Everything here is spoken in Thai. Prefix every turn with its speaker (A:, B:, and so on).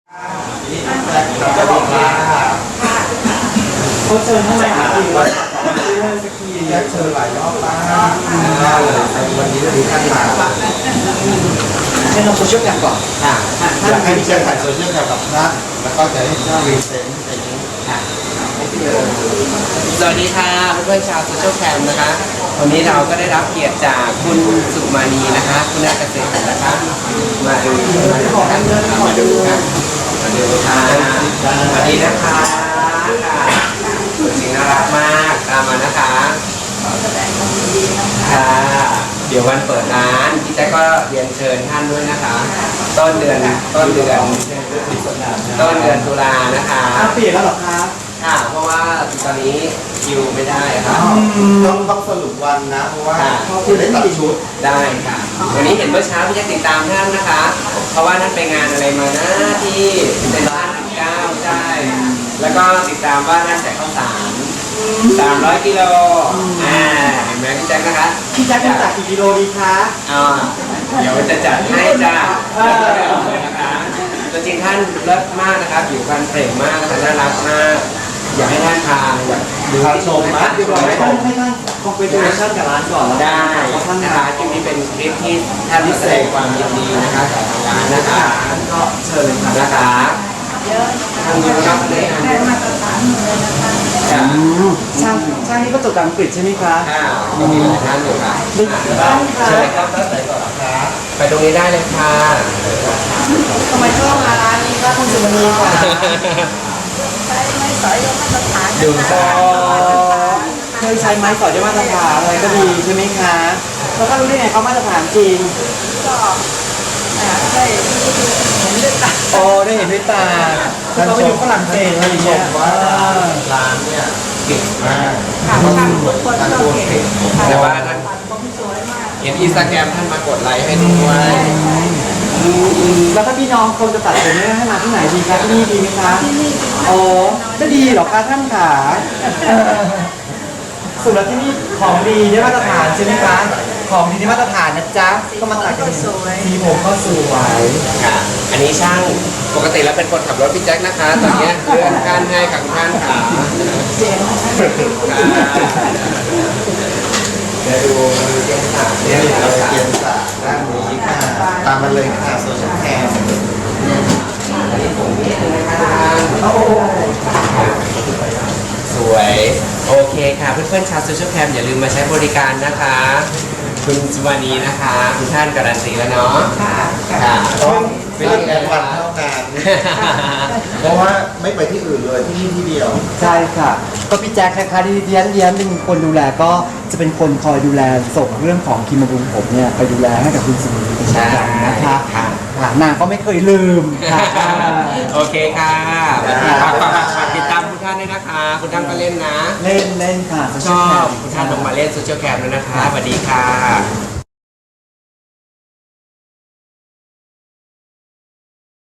A: เขาเชิญเท่าไหร่ครับพี่ว่าสักทีเชิญหลายรอบมากวันนี้ดีขั้นมาให้น้องโซเชียลแคมก่อนอยากให้พี่เจอถ่ายโซเชียลแคมกับท่านแล้วก็จะให้เจ้ารีเซนต์อะไรอย่างนี้
B: สวัสดีค่ะเพื่อนๆชาวโซเชียลแคมนะคะวันนี้เราก็ได้รับเกียรติจากคุณสุมานีนะคะคุณนาเกษตรนะคะมาดูกันมาดูกันมาดูค่ะสวัสดีนะคะจริงน่ารักมากตามมานะคะค่ะเดี๋ยววันเปิดร้านพี่แจ๊คก็เรียนเชิญท่านด้วยนะคะต้นเดือนตุลานะคะ
A: เปลี่ยนแล้วหรอครับ
B: ค่ะเพราะว่าตอนนี้คิวไม่ได้ค่ะ
A: ต้องสรุปวันนะเพราะว่าคุณได้ตัดชุด
B: ได้ค่ะวันนี้เห็นเมื่อเช้าพี่แจ๊คติดตามท่านนะคะเพราะว่าท่านไปงานอะไรมานะที่เซ็นทรัล9ใช่แล้วก็ติดตามว่าท่านแจกข้าวสาร300 กิโลเห็นไหมพี่แจ๊คนะคะ
A: พี่แจ๊คจะจัดกี่กิโลดีคะ
B: เดี๋ยวจะจัดให้จ้านะคะตัวจริงท่านเลิศมากนะครับอยู่กันเปล่งมากนะคะน่ารักมากอยากให้ท่านพาดูที่ชมมาก
A: ดีกว่าให้ท่านคอมเพลชั่นกับร้านก่อนแล้ว
B: ได้ท่านนะคะคลิปนี้เป็นคลิปที่ท่านพิเศษความยินดีนะคะจากทางร้านนะคะ
A: ก็เชิญเลย
B: นะคะทางนี้ก็ได้
C: มาตรฐานเลยนะคะ
A: ช่างนี่ก็จบอังกฤษใช่ไหมคะ
B: ก็มีหลายท่านอยู่ค่ะเชิญครับท่านไหนก่อนครับไปตรงนี้ได้เลยค่ะ
C: ทำไมชอบมาร้านนี้ก็คุณสุมณีค่ะใช้ไม้สอยมาตรฐาน
B: ดูต่อ
A: เคยใช้ไม้สอยได้มาตรฐานอะไรก็ดีใช่ไหมคะแล้วก็รู้ได้ไงเขามาตรฐานจริง
C: ก็ได้เห็นด้วยตา
A: โอ้ได้เห็นด้วยตาเราไปอยู่ฝรั่งเศสอะไรอย่างเงี้ย
B: ว่าร้านเนี่ยเก่งมาก
C: ช่างทุกคนก็เก่ง
B: แต่ว่าท่านเห็นอินสตาแกรมท่านมากดไลค์ให้ด้วย
A: แล้วถ้าพี่น้องคนจะตัดผมเนี่ยให้มาที่ไหนดีคะที่นี่ดีไหมคะ
C: ที่นี่
A: โอ้จะดีหรอคะท่านขาสุดแล้วที่นี่ของดีได้มาตรฐานใช่ไหมคะของดีได้มาตรฐานนะจ๊ะก็มาตัดกันสีผมก็สวย
B: ค่ะอันนี้ช่างปกติแล้วเป็นคนขับรถพี่แจ็คนะคะตอนนี้เลื่อนขั้นให้กับท่านค่ะ
C: เจ๋ง
B: เดี๋ยวดูเกียร์สาม
A: เนี่ยเราเกียร์สามด้านนี้ค่ะตามมาเลยค่ะโซเชียลแคม
B: อันนี้ผมนิดนึงนะคะสวยโอเคค่ะเพื่อนๆชาวโซเชียลแคมอย่าลืมมาใช้บริการนะคะคุณสุวรรณีนะคะคุณท่านการันตีแล้วเนาะ
A: ค่ะต้องเป็นแอดวันเท่ากันเพราะว่าไม่ไปที่อื่นเลยที่นี่ที่เดียวใช่ค่ะก็พี่แจ็คนะคะที่เลี้ยงเป็นคนดูแลก็จะเป็นคนคอยดูแลส่งเรื่องของครีมบำรุงผมเนี่ยไปดูแลให้กับคุณสุวรรณีเป็นประจำนะคะนางก็ไม่เคยลืมค่ะ
B: โอเคค่ะฝากติดตามคุณท่านด้วยนะคะคุณท่านก็เล่นนะ
A: เล่นค่ะ
B: ชอบคุณท่านลงมาเล่นโซเชียลแคมด้วยนะคะสวัสดีค่ะ